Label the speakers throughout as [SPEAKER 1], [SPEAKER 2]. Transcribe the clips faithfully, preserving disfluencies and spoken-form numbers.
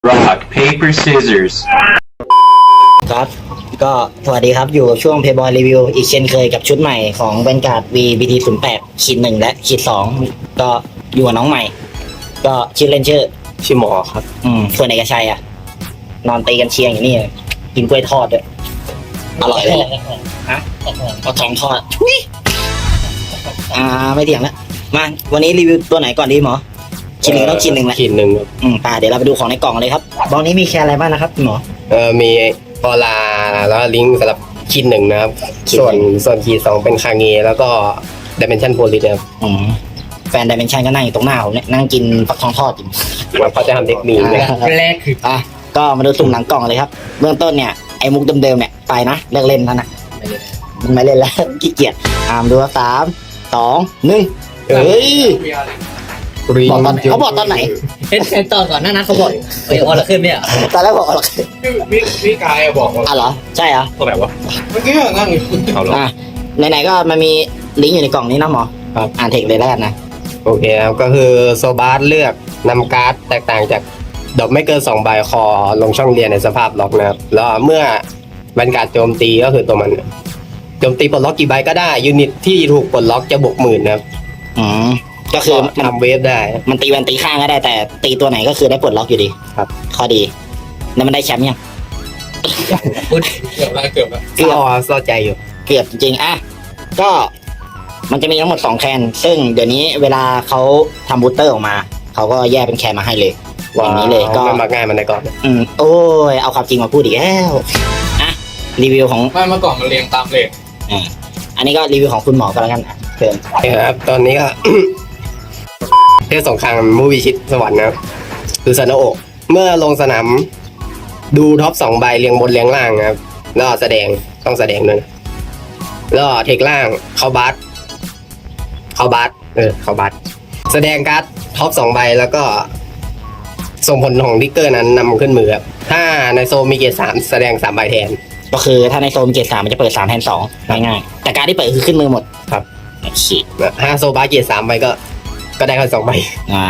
[SPEAKER 1] rock paper scissors
[SPEAKER 2] ครับก็สวัสดีครับอยู่กับช่วง Playboy Review อีกเช่นเคยกับชุดใหม่ของ Vanguard V บี ที ศูนย์แปดขีดหนึ่งและขีดสองก็อยู่กับน้องใหม่ ก็ชื่อเล่นชื่อ
[SPEAKER 3] ชื่อหมอครับ
[SPEAKER 2] อืมส่วนเอกชัยอ่ะ นอนตีกันเชียงอยู่นี่กินกล้วยทอดด้วยอร่อยเลยแหละฮะเอาทองทอดทุยอ่าไม่เถียงแล้วมาวันนี้รีวิวตัวไหนก่อนดีหมอชิ้นหนึ่งต้องชิ้นหนึ่งแหละ
[SPEAKER 3] ขีดหนึ่งครับ
[SPEAKER 2] อืมป่าเดี๋ยวเราไปดูของในกล่องเลยครับบล็อกนี้มีแค่อะไรบ้างนะครับคุณหมอ
[SPEAKER 3] เอ่อมีออลาแล้วลิงก์สำหรับขีดหนึ่งนะครับ
[SPEAKER 2] ขีด
[SPEAKER 3] ส่วน
[SPEAKER 2] หนึ่ง
[SPEAKER 3] ส่วนขีดสองเป็นคาเงแล้วก็ดิเมนชันโพลิสนะครับ
[SPEAKER 2] อืมแฟนดิเมนชันก็นั่งอยู่ตรงหน้าผมเนี่ยนั่งกินฟักทองทอดอยู่
[SPEAKER 3] ว่าเขาจะทำเทคนิคนะ
[SPEAKER 2] แรกคืออ่ะก็มาดูสุ่มหลังกล่องเลยครับเบื้องต้นเนี่ยไอ้มุกเดิมๆเนี่ยไปนะเลิกเล่นแล้วนะมันไม่เล่นแล้ว ขี้เกียจอ่ามดูว่าสามสองหนึ่งเฮ้ย บอกตอนเขาบอกตอนไหน
[SPEAKER 4] เห็นเห็นตอนก่อนหน้านั้นเขาบอกเฮ้ยออลขึ้นเนี่ย
[SPEAKER 2] ตอนแรกบอกอะไร
[SPEAKER 5] พี่พี่กายบอกว่า
[SPEAKER 2] อ่ะเหรอใช่เหรอ
[SPEAKER 5] ตัวไหนวะเมื่อกี้นั่งอยู่เอาหรอ
[SPEAKER 2] อ่ะไหนๆก็มันมีลิงก์อยู่ในกล่องนี้นะหมอครับอ่านเทคเลยแล้วกันนะ
[SPEAKER 3] โอเคครับก็คือโซบาสเลือกนำการ์ดแตกต่างจากดอกไม่เกินสองใบคอลงช่องเรียนในสภาพล็อกนะครับแล้วเมื่อบันการโจมตีก็คือตัวมันโจมตีปลดล็อกกี่ใบก็ได้ยูนิตที่ถูกปลดล็อกจะบวกหมื่นนะครับ
[SPEAKER 2] อืมก็คือมัน
[SPEAKER 3] ทำเวฟได้
[SPEAKER 2] มันตีแวนตีข้างก็ได้แต่ตีตัวไหนก็คือได้ปลดล็อกอยู่ดี
[SPEAKER 3] ครับ
[SPEAKER 2] ข้อดีแล้วมันได้แชมป์ยัง
[SPEAKER 4] พูด
[SPEAKER 5] เกือบแล้วเกือบแล้ว
[SPEAKER 2] เกือบ
[SPEAKER 3] ก็เศร้าใจอยู่
[SPEAKER 2] เกือบจริงๆอ่ะก็มันจะมีทั้งหมดสองแคนซึ่งเดี๋ยวนี้เวลาเขาทำบูสเตอร์ออกมาเขาก็แยกเป็นแคนมาให้เลยอย่างนี้เลยก็
[SPEAKER 3] ไม่มาง่ายมันได้ก่อน
[SPEAKER 2] อืมโอ้ยเอาความจริงมาพูดอีกแล้วอ่ะรีวิวของ
[SPEAKER 5] ไม่เมื่อก่อนมันเรียงตามเลข
[SPEAKER 2] อ่าอันนี้ก็รีวิวของคุณหมอก็แล้วกันอ่ะเชิญ
[SPEAKER 3] ครับตอนนี้ก็ เทศสงครามมูวิชิตสวรรค์นะครับคือซาโนโอะเมื่อลงสนามดูท็อปสองใบเรียงบนเรียงล่างนะครับแล้วแสดงต้องแสดงด้วยนะแล้วเทคล่างเข้าบัสเข้าบัสเออเข้าบัสแสดงการ์ดท็อปสองใบแล้วก็ส่งผลของทิกเกอร์นั้นนำขึ้นมือครับถ้าในโซนมีเกียร์สามแสดงสามใบแทน
[SPEAKER 2] ก็คือถ้าในโซนเกรดสามมันจะเปิดสามแทนสองง่ายๆแต่การที่เปิดคือขึ้นมือหมด
[SPEAKER 3] ครับ
[SPEAKER 2] โอเค
[SPEAKER 3] ถ้าโซบาสเกียร์สามใบก็ ก็ได้แค่สองใบ
[SPEAKER 2] อ่า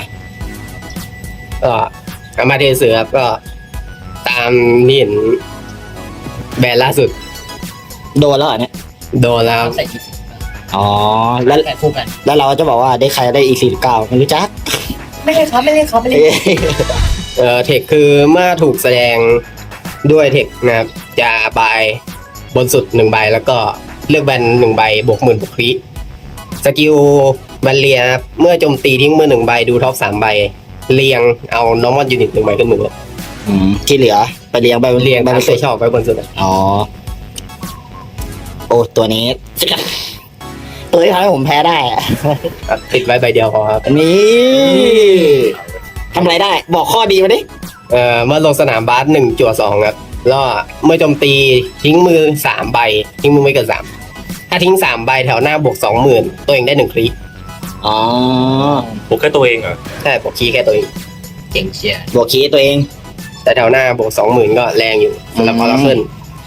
[SPEAKER 3] ก็อามาเทเสือครับก็ตามที่เห็นแบรนด์ล่าสุด
[SPEAKER 2] โดนแล้วเหรอเนี่ย
[SPEAKER 3] โดนแล้ว
[SPEAKER 4] ใส่กี่
[SPEAKER 2] อ๋อแล้ว
[SPEAKER 4] แต่คู่กัน
[SPEAKER 2] แล้วเราจะบอกว่าได้ใครได้อีสี่เก้าไม่รู้จัก
[SPEAKER 4] ไม่เล่นครับไม่เล่นครับไม่เล่น
[SPEAKER 2] เอ้ย
[SPEAKER 3] เอ่อเทคคือเมื่อถูกแสดงด้วยเทคนะครับจะบายบนสุดหนึ่งใบแล้วก็เลือกแบนหนึ่งใบบวกหมื่นบวกคริสกิลแบนเลียนะครับเมื่อโจมตีทิ้งมือหนึ่งใบดูท็อปสามใบเรียงเอา normal unit หนึ่งใบขึ้นมือ
[SPEAKER 2] อืมที่เหลือไปเรียงไป
[SPEAKER 3] เรียง
[SPEAKER 2] ไป
[SPEAKER 3] ตาม
[SPEAKER 2] ไป
[SPEAKER 3] ใจชอบไว้บนสุดอะ
[SPEAKER 2] อ๋อโอ้ตัวนี้ ตัวที่ทำให้ผมแพ้ได้อะ
[SPEAKER 3] ครับติดไว้ใบเดียวพอครับ
[SPEAKER 2] นี่ทำอะไรได้ บอกข้อดีมาดิ
[SPEAKER 3] เอ่อเมื่อลงสนามบาสหนึ่งจั่วสองครับแล้วเมื่อโจมตีทิ้งมือสามใบทิ้งมือไม่เกินสามถ้าทิ้งสามใบแถวหน้าบวกสองหมื่นตัวเองได้หนึ่งคลิ
[SPEAKER 2] อ๋อ
[SPEAKER 5] ผมแค่ตัวเองเหรอ
[SPEAKER 3] ใช่บวกคีย์แค่ตัวเอง
[SPEAKER 4] เจ๋งเชียร์
[SPEAKER 2] บวกคีย์ตัวเอง
[SPEAKER 3] แต่แถวหน้าบวกสองหมื่นก็แรงอยู่สำหรับ
[SPEAKER 2] อืม
[SPEAKER 3] ออร์เคิล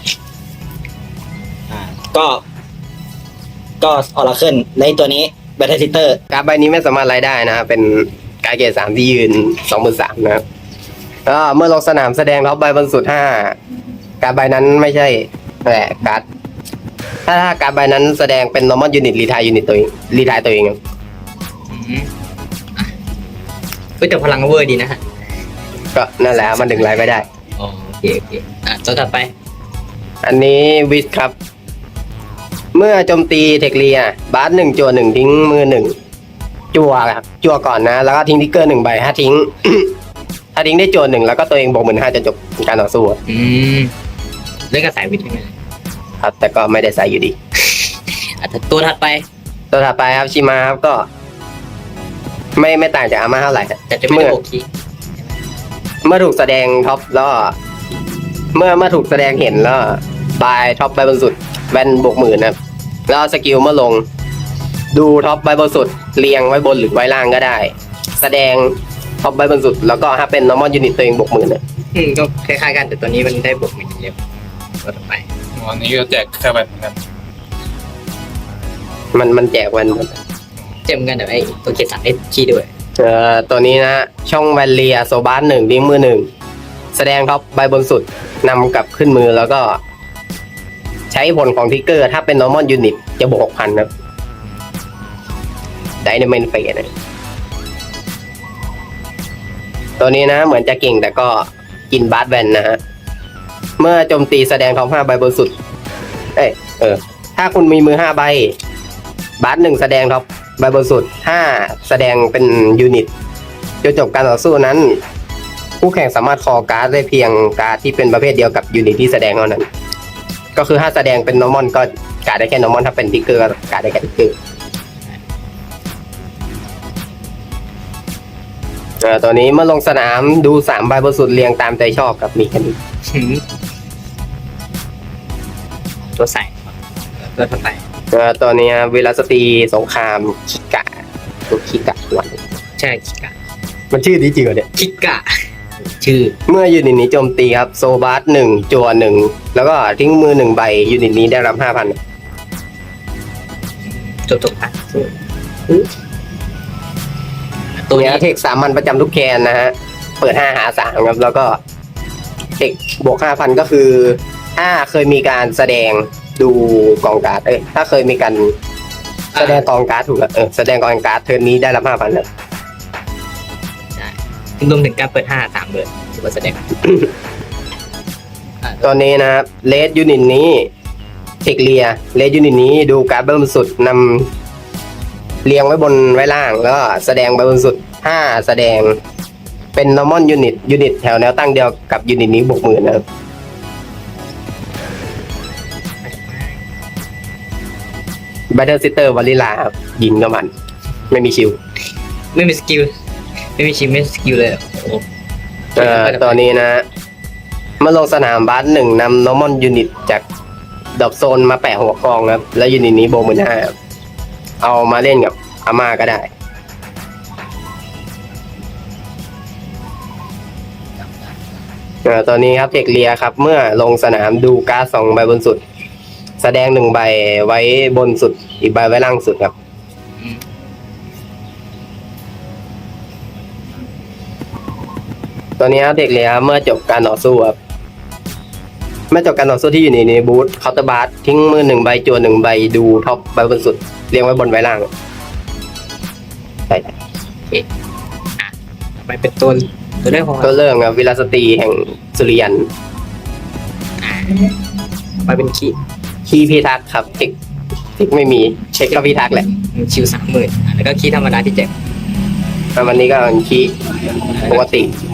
[SPEAKER 2] ก็ ก็ออร์เคิลในตัวนี้แบทเทิลซิสเตอร์
[SPEAKER 3] การดใบนี้ไม่สามารถไล่ได้นะครับเป็นการดเกรดสามที่ยืนสองหมื่นสามนะครับก็เมื่อลงสนามแสดงท็อปใบบนสุดห้าการดใบนั้นไม่ใช่แหละการดถ้าถ้าการดใบนั้นแสดงเป็น normal unit รีทายยูนิตตัวเองรีทายตัวเองครับ
[SPEAKER 4] เฮ้ยแต่พลังเวอร์ดีนะฮะ
[SPEAKER 3] ก็นั่นแหละมันดึงไล่ไม่ได้
[SPEAKER 4] อ๋อโอเคโอเคอ่ะตัวถัดไป
[SPEAKER 3] อันนี้วิสครับ เมื่อโจมตีเทคเลียบาสหนึ่งจั่วหนึ่งทิ้งมือหนึ่งจั่วครับจั่วก่อนนะ แล้วก็ทิ้งทิกเกอร์หนึ่งใบถ้าทิ้ง ถ้าทิ้งได้จั่วหนึ่งแล้วก็ตัวเองบวกหมื่นห้าจะจบการต่อสู้
[SPEAKER 4] อืมเล่นกับสายวิทย์ยังไง
[SPEAKER 3] ครับ แต่ก็ไม่ได้ใส่อยู่ดี
[SPEAKER 4] อ่ะแต่ตัวถัดไป
[SPEAKER 3] ตัวถัดไปครับชิมาครับก็ ไม่ไม่ต่างจากอาม่าเท่าไหร่ครับ
[SPEAKER 4] แต่จะไม่ได้โบกคี
[SPEAKER 3] เมื่อถูกแสดงท็อปแล้วก็เมื่อเมื่อถูกแสดงเห็นแล้วบายท็อปใบบนสุดแวนบวกหมื่นนะครับแล้วสกิลเมื่อลง ดูท็อปใบบนสุดเรียงไว้บนหรือไว้ล่างก็ได้ แสดงท็อปใบบนสุดแล้วก็ถ้าเป็น normal unit ตัวเองบวกหมื่นนะ
[SPEAKER 4] อืมก็คล้ายๆกันแต่ตัวนี้มันได้บวกหนึ่งเดียวตัวต่อไป
[SPEAKER 5] วันนี้ก็แจกแค่แบบเหมือนกัน
[SPEAKER 3] มันมันแจกแวน
[SPEAKER 4] เจมกันแต่ไอ้ตัวเกียร์สามไอ้คีย์ด้วย
[SPEAKER 3] เอ่อตัวนี้นะ ช่องแวนเลียโซบาสหนึ่งดิ้งมือหนึ่งแสดงท็อปใบบนสุดนำกลับขึ้นมือแล้วก็ ใช้ผลของทิกเกอร์ ถ้าเป็น normal unit จะบวก หกพัน ครับไดนามินเฟสตัวนี้นะเหมือนจะเก่งแต่ก็กินบาสแวนนะฮะ เมื่อโจมตีแสดงท็อปห้าใบบนสุด เอ้ยเออ ถ้าคุณมีมือห้าใบบาสหนึ่งแสดงท็อปใบบนสุดถ้าแสดงเป็นยูนิตจนจบการต่อสู้นั้น ผู้แข่งสามารถคอการ์ดได้เพียงการ์ดที่เป็นประเภทเดียวกับยูนิตที่แสดงเท่านั้น ก็คือถ้าแสดงเป็น normal ก็การ์ดได้แค่ normal ถ้าเป็นทิกเกอร์ก็การ์ดได้แค่ทิกเกอร์เอ่อตัวนี้เมื่อลงสนามดูสามใบบนสุดเรียงตามใจชอบกับมีแค่นี้
[SPEAKER 4] ตัวใส่ตัวใส่
[SPEAKER 3] เอ่อตัวนี้เวลาสตรีสงครามคิกะตัวคิกะวัน
[SPEAKER 4] ใช่คิกะ
[SPEAKER 3] มันชื่อนี้จริงเหรอเนี่ย
[SPEAKER 4] คิกะ ชื่อ
[SPEAKER 3] เมื่อยูนิตนี้โจมตีครับโซบาร์หนึ่งจัวหนึ่งแล้วก็ทิ้งมือหนึ่งใบยูนิตนี้ได้รับห้าพัน
[SPEAKER 4] จบจบอ่ะ
[SPEAKER 3] ตัวนี้เทคสามัญประจำทุกแคนนะฮะ เปิดห้าหาสามครับ แล้วก็เทคบวกห้าพันก็คือ ถ้าเคยมีการแสดงดูกองการ์ดเอ้ยถ้าเคยมีการแสดงกองการ์ดถูกแล้วเออแสดงกองการ์ดเทิร์นนี้ได้รับห้าพันครับ
[SPEAKER 4] รวมถึงการเปิดห้าสามเลยถือว่าแสดง
[SPEAKER 3] ตอนนี้นะครับเลสยูนิตนี้เทคเลียเลสยูนิตนี้ดูการ์ดบนสุดนำเรียงไว้บนไว้ล่าง แล้วก็แสดงใบบนสุดห้าแสดงเป็น normal unit ยูนิตแถวแนวตั้งเดียวกับยูนิตนี้บวกหมื่นนะครับ Battle Sister วาลิลาครับยิงกับมัน ไม่มีชิว
[SPEAKER 4] ไม่มีสกิลไม่มีชิมไม่มีสกิลเลยโอ้
[SPEAKER 3] เอ่อตอนนี้นะเมื่อลงสนามบาสหนึ่งนำ normal unit จากดอบโซนมาแปะหัวกองครับ แล้วยูนิตนี้โบมือห้าเอามาเล่นกับอาม่าก็ได้เอ่อตอนนี้ครับเทคเลียครับ เมื่อลงสนามดูการ์ดสองใบบนสุด แสดงหนึ่งใบไว้บนสุดอีกใบไว้ล่างสุดครับ ตอนนี้ครับเด็กเลยครับเมื่อจบการต่อสู้ครับเมื่อจบการต่อสู้ที่อยู่ในในบูธเคาน์เตอร์บาร์ทิ้งมือหนึ่งใบจวนหนึ่งใบดูท็อปใบบนสุดเรียงไว้บนไว้ล่างใช่
[SPEAKER 4] ไปเป็นตัวตัวแรกของ
[SPEAKER 3] ก็เริ่มครับวิลาสตรีแห่งสุริยัน
[SPEAKER 4] ไปเป็นคี
[SPEAKER 3] คีพิทักษ์ครับเทคเทคไม่มีเช็คก็พิทักษ์แหละ
[SPEAKER 4] ชิวสามหมื่นแล้วก็คีธรรมดาที่เจ็ด
[SPEAKER 3] แล้ววันนี้ก็เป็นคีปกติ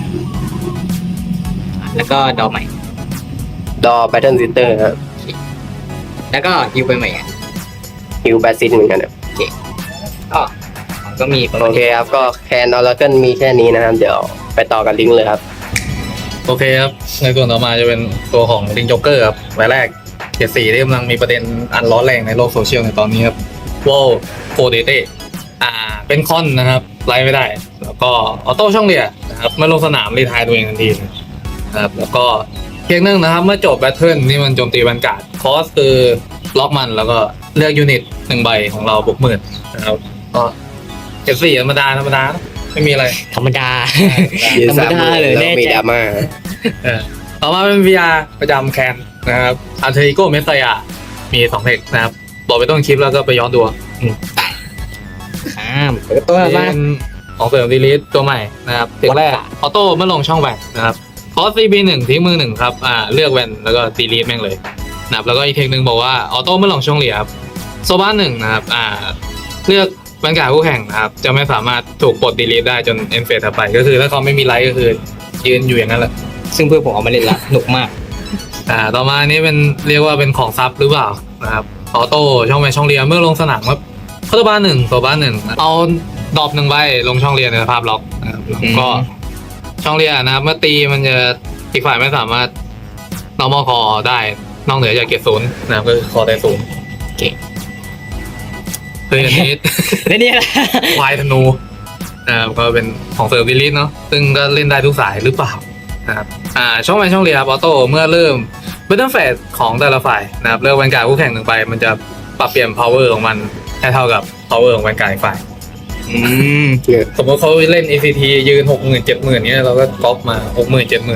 [SPEAKER 4] แล้วก็ดอใหม่
[SPEAKER 3] ดอแบทเทิลซิสเตอร์ครับ
[SPEAKER 4] แล้วก็ฮิวไปใหม่อ่ะ
[SPEAKER 3] ฮิวแบซิสเหมือนกันครับ
[SPEAKER 4] ก็ก็มีประมา
[SPEAKER 3] โอ
[SPEAKER 4] ณ
[SPEAKER 3] เคครับก็แคนออร์เกิลมีแค่นี้นะครับเดี๋ยวไปต่อกันลิงก์เลยครับ
[SPEAKER 5] โอเคครับ ในส่วนต่อมาจะเป็นตัวของลิงจ็อกเกอร์ครับใบแรกเกียรติสี่ที่กำลังมีประเด็นอันร้อนแรงในโลกโซเชียลในตอนนี้ครับวอลโคเดเต้อ่าเป็นคอนนะครับไล่ไม่ได้ แล้วก็ออโต้ช่องเรียนะครับเมื่อลงสนามรีไทายตัวเองทันทีนะครับแล้วก็เพียงหนึ่งนะครับเมื่อจบแบทเทิลนี่มันโจมตีบรรกาศคอสคือล็อกมันแล้วก็เลือกยูนิตหนึ่งใบของเราบวกหมื่นนะครับก็เกียรติสี่ธรรมดาธรรมดาไม่มีอะไร
[SPEAKER 4] ธรรมดา
[SPEAKER 3] ยืน
[SPEAKER 4] ธรรม
[SPEAKER 3] สาม
[SPEAKER 4] ดา
[SPEAKER 3] มือ
[SPEAKER 4] เลย
[SPEAKER 3] แล้ว
[SPEAKER 4] แน่
[SPEAKER 3] มี
[SPEAKER 4] ใจ
[SPEAKER 3] ดราม่า
[SPEAKER 5] เออต่อมาเป็น วี อาร์ ประจำแคนนะครับอัลเทอริโกเมสไซอามีสองเทคนะครับบอกไปต้นคลิปแล้วก็ไปย้อนดูอืม
[SPEAKER 4] ข้ามตัว
[SPEAKER 5] นี่
[SPEAKER 4] มา
[SPEAKER 5] เป็นของเสริมดีลิทตัวใหม่นะครับเทคแรกออโต้เมื่อลงช่องแวนนะครับคอสซีบีหนึ่งทิ้งมือหนึ่งครับอ่าเลือกแวนแล้วก็ดีลิทแม่งเลยนะครับแล้วก็อีกเทคหนึ่งบอกว่าออโต้เมื่อลงช่องเหลี่ยมโซบ้านหนึ่งนะครับอ่าเลือกบรรยากาศคู่แข่งนะครับจะไม่สามารถถูกปลดดีลิทได้จนเอ็นเฟสถัดไปก็คือถ้าเขาไม่มีไลท์ก็คือยืนอยู่อย่างนั้นแหละ
[SPEAKER 4] ซึ่งเพื่อนผมเอามาเล่นละหนุกมาก
[SPEAKER 5] อ่าต่อมานี้เป็นเรียกว่าเป็นของซับหรือเปล่านะครับออโต้ช่องแวนช่องเรียนเมื่อลงสนามครับคาร์บ้านหนึ่งตัวบ้านหนึ่งเอาดรอปหนึ่งใบลงช่องเรียนในสภาพล็อกนะครับแล้วก็ช่องเรียนนะครับเมื่อตีมันจะอีกฝ่ายไม่สามารถ normal call ได้นอกเหนือจากเกียรติศูนย์นะครับก็คือ call ได้ศูนย์
[SPEAKER 4] เก่ง
[SPEAKER 5] คืออันนี้
[SPEAKER 4] แล้วเนี่ยแหละ
[SPEAKER 5] ควายธนูนะครับก็เป็นของเซอร์วิลิสเนาะซึ่งก็เล่นได้ทุกสายหรือเปล่านะครับอ่าช่องแวนช่องเรียนครับออโต้เมื่อเริ่มเบตเทิลเฟสของแต่ละฝ่ายนะครับเลือกแวนการ์ดคู่แข่งหนึ่งไปมันจะปรับเปลี่ยน power ของมันให้เท่ากับ power ของแวนการ์ดอีกฝ่าย
[SPEAKER 4] อืม
[SPEAKER 5] สมมติเขาเล่น เอ ซี ที ยืนหกหมื่นเจ็ดหมื่นเนี้ยเราก็ก๊อปมาหกหมื่นเจ็ดหมื่น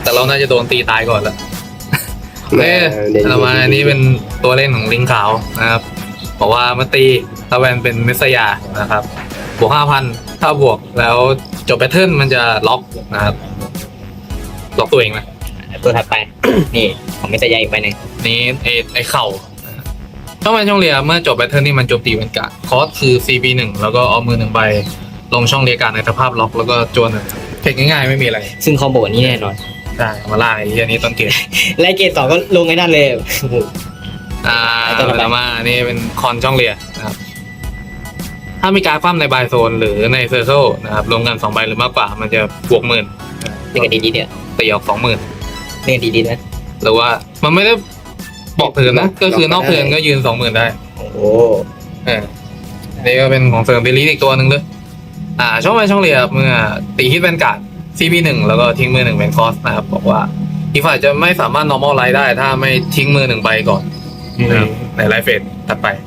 [SPEAKER 5] แต่เราน่าจะโดนตีตายก่อนแล้วโอเค
[SPEAKER 3] เดี๋ยว
[SPEAKER 5] เรามาอันนี้เป็นตัวเล่นของลิงขาวนะครับบอกว่ามาตีตะแวนเป็นเมสยานะครับบวกห้าพันถ้าบวกแล้วจบแพทเทิร์นมันจะล็อกนะครับล็อกตัวเองนะ
[SPEAKER 4] ตัวถัดไป นี่ของมิสยาอีกไปหนึ่ง
[SPEAKER 5] นี้ไอไอเข่าช่องแวนช่องเรียเมื่อจบแพทเทิร์นนี่มันโจมตีเป็นการ์ดคอสคือ ซี บี หนึ่งแล้วก็เอามือหนึ่งใบลงช่องเรียการ์ดในสภาพล็อกแล้วก็จวนหนึ่งเทคง่ายๆไม่มีอะไร
[SPEAKER 4] ซึ่งคอมโบนี้แน่นอน
[SPEAKER 5] ได้มาล่าไอ้เหี้ยนี้ต้นเกม
[SPEAKER 4] ไล่เกตสองก็ลงไอ้นั่นเลย
[SPEAKER 5] อ่า
[SPEAKER 4] ไอ้ตัวต่อไป
[SPEAKER 5] ต่อมาอันนี่เป็นคอนช่องเรียนะครับถ้ามีการดคว่ำในบายโซนหรือในเซอร์เคิลนะครับรวมกันสองใบหรือมากกว่ามันจะบวกหมื่น
[SPEAKER 4] นี่ก็ดีๆเนี่ย
[SPEAKER 5] ตีออกสองหมื่น
[SPEAKER 4] นี่ก็ดีๆนะ
[SPEAKER 5] หรือว่ามันไม่ได้บอกเทิร์นนะก็คือนอกเทิร์นก็ยืนสองหมื่นได้
[SPEAKER 4] โอ้โห
[SPEAKER 5] เออนี่ก็เป็นของเสริมเบลลี่อีกตัวหนึ่งด้วยอ่าช่องไปช่องเรียเมื่อตีฮิตแวนการ์ด ซี บี หนึ่งแล้วก็ทิ้งมือหนึ่งเป็นคอสนะครับบอกว่าอีกฝ่ายจะไม่สามารถ normal ไลท์ได้ ถ้าไม่ทิ้งมือหนึ่งใบก่อนนะครับในไลฟ์เฟสถัดไป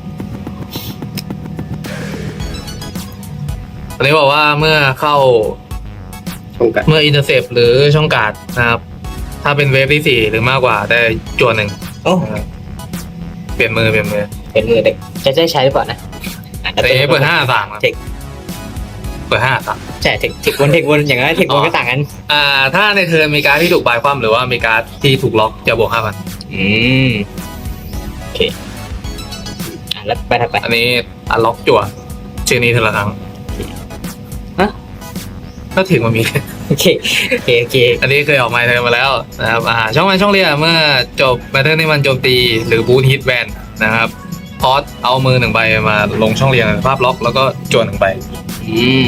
[SPEAKER 5] อันนี้บอกว่าเมื่อเข้า
[SPEAKER 3] ช่องกัน
[SPEAKER 5] เมื่ออินเตอร์เซปหรือช่องการ์ดนะครับ ถ้าเป็นเวฟที่สี่หรือมากกว่าได้จวนหนึ่ง
[SPEAKER 4] โอ้
[SPEAKER 5] นะครับเปลี่ยนมือเปลี่ยนมือ
[SPEAKER 4] เป็นมือเด็กจะได้ใช้หรือเปล่านะอ่ะ
[SPEAKER 5] แต่เอเปิดห้าสามครับ
[SPEAKER 4] เทค
[SPEAKER 5] เปิดห้าสาม
[SPEAKER 4] ใช่เทคเทควนเทควนอย่างนั้นเทควนก็ต่างกัน
[SPEAKER 5] อ่า ถ้าในเทิร์นมีการดที่ถูกบายคว่ำหรือว่ามีการดที่ถูกล็อกจะบวกห้าพัน
[SPEAKER 4] อืมโอเคอ่ะแล้วไปถัดไป
[SPEAKER 5] อันนี้อันล็อกจั่วชื่อนี้เท่าละครั้ง
[SPEAKER 4] ฮะ
[SPEAKER 5] ก็ถึงมันมี
[SPEAKER 4] โอเคโอเคโอเค
[SPEAKER 5] อันนี้เคยออกมาเทิร์นมาแล้วนะครับอ่าช่องวันช่องเรียเมื่อจบแบทเทิลที่มันโจมตีหรือบูทฮิตแวนนะครับพอสเอามือหนึ่งใบมาลงช่องเรียงในภาพล็อกแล้วก็จวนหนึ่งใบ
[SPEAKER 4] อืม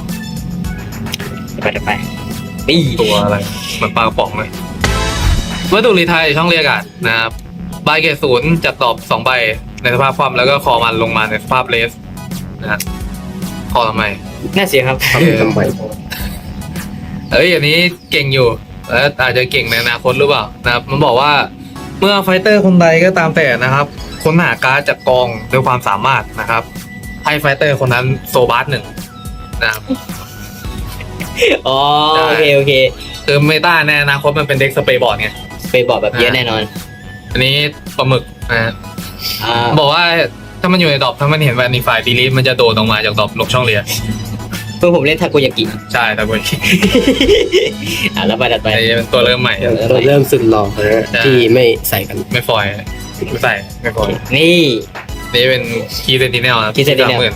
[SPEAKER 4] ไปถัดไปนี่
[SPEAKER 5] ตัวอะไรเหมือนปลากระป๋องเลยวัตถุรีไทยช่องเรียกอ่ะนะครับใบเกรดศูนย์จัดตอบสองใบในสภาพความแล้วก็คอมันลงมาในสภาพเลสนะฮะคอทำไม
[SPEAKER 4] น่าเสียครับ
[SPEAKER 3] ทำทำไม
[SPEAKER 5] เอ้ยอันนี้เก่งอยู่แล้วอาจจะเก่งในอนาคตหรือเปล่านะครับมันบอกว่าเมื่อไฟเตอร์คนใดก็ตามแต่นะครับค้นหาการ์ดจากกองด้วยความสามารถนะครับ ให้ไฟเตอร์คนนั้นโซบาร์หนึ่งนะครับ
[SPEAKER 4] อ๋อโอเคโอเค
[SPEAKER 5] คือเมตาในอนาคตมันเป็นเด็กสเปรย์บอร์ดไง
[SPEAKER 4] ไปบอกแบบเยอะแน่นอน
[SPEAKER 5] อันนี้ปลาหมึกนะฮะ
[SPEAKER 4] อ่า
[SPEAKER 5] บอกว่าถ้ามันอยู่ในดรอปถ้ามันเห็นแวนนิฟายดีลีทมันจะโดดออกมาจากดรอปลงช่องเรียน
[SPEAKER 4] เพื่อนผมเล่นทาโกยากิ
[SPEAKER 5] ใช่แต่คน
[SPEAKER 4] อ่ะแล้วไปถัดไป
[SPEAKER 5] ไอ้เป็นตัวเริ่มใหม่
[SPEAKER 3] ตัวเริ่มสุดหล่อนะที่ไม่ใส่กัน
[SPEAKER 5] ไม่ฟอยล์ไม่ใส่ไม่ฟอยล์
[SPEAKER 4] นี่
[SPEAKER 5] นี่เป็นคีย์เซนติเนลนะ
[SPEAKER 4] Key Sentinel
[SPEAKER 5] สามหมื่น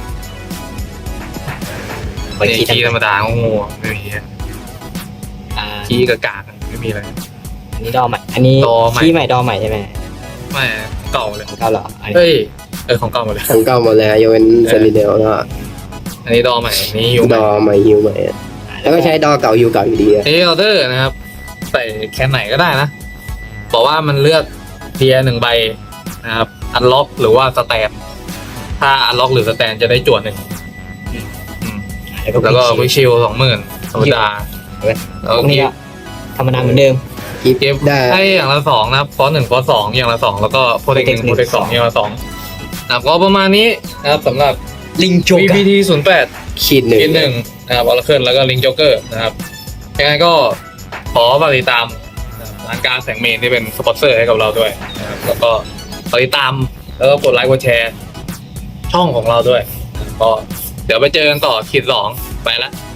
[SPEAKER 4] ไป
[SPEAKER 5] นี่
[SPEAKER 4] คีย์
[SPEAKER 5] คีย์ธรรม
[SPEAKER 4] ทำ
[SPEAKER 5] ดาโง่ๆไม่มี
[SPEAKER 4] อ่า
[SPEAKER 5] คีย์กากากๆไม่มีอะไร
[SPEAKER 4] อันนี้ดอใหม่ อันนี้
[SPEAKER 5] ดอใหม่
[SPEAKER 4] คีย์ใหม่ดอใหม่ใช่ไหม
[SPEAKER 5] ไม่เก่าเลย
[SPEAKER 4] ของเก่าเหรออันนี้
[SPEAKER 5] เอ้ยเออของเก่าหมดเลย
[SPEAKER 3] ทั้งเก้าหมดแล้วยกเว้นเซนิเดลแล้วก็
[SPEAKER 5] อันนี้ดอใหม่อันนี้ยู
[SPEAKER 3] ดอใหม่ฮิวใหม่อะแล้วก็ใช้ดอเก่าฮิวเก่าอยู่ดีอะ
[SPEAKER 5] เอออเดอร์นะครับใส่แคนไหนก็ได้นะ บอกว่ามันเลือกเทียร์หนึ่งใบนะครับอันล็อกหรือว่าสแตนถ้าอันล็อกหรือสแตนจะได้จวดหนึ่งอืมแล้วก็วิชิลสองหมื่นธรรมดาแล้ว
[SPEAKER 4] พวกนี้
[SPEAKER 5] กิ
[SPEAKER 4] ก็ธรรมดาเหมือนเดิม
[SPEAKER 3] กิฟ
[SPEAKER 5] เก็บ
[SPEAKER 3] ได้
[SPEAKER 5] ให้อย่างละสองนะครับฟอนต์หนึ่งฟอนต์สองอย่างละสองแล้วก็โปรเทคหนึ่ง
[SPEAKER 4] Protect หนึ่
[SPEAKER 5] โปรเทคสองอย่างละสองนะครับก็ประมาณนี้นะครับสำหรับ
[SPEAKER 4] ลิงโจ
[SPEAKER 5] วี
[SPEAKER 4] กะ
[SPEAKER 5] พี ที ศูนย์แปด
[SPEAKER 3] ขีดหนึ่ง
[SPEAKER 5] กินหนึ่งนะครับออร์เคิลแล้วก็ลิงจ็อกเกอร์นะครับยังไงก็ขอฝากติดตามร้านการแสงเมนที่เป็นสปอนเซอร์ให้กับเราด้วยนะครับแล้วก็ฝากติดตามแล้วก็กดไลค์กดแชร์ช่องของเราด้วยนะครับก็เดี๋ยวไปเจอกันต่อขีดสองไปละ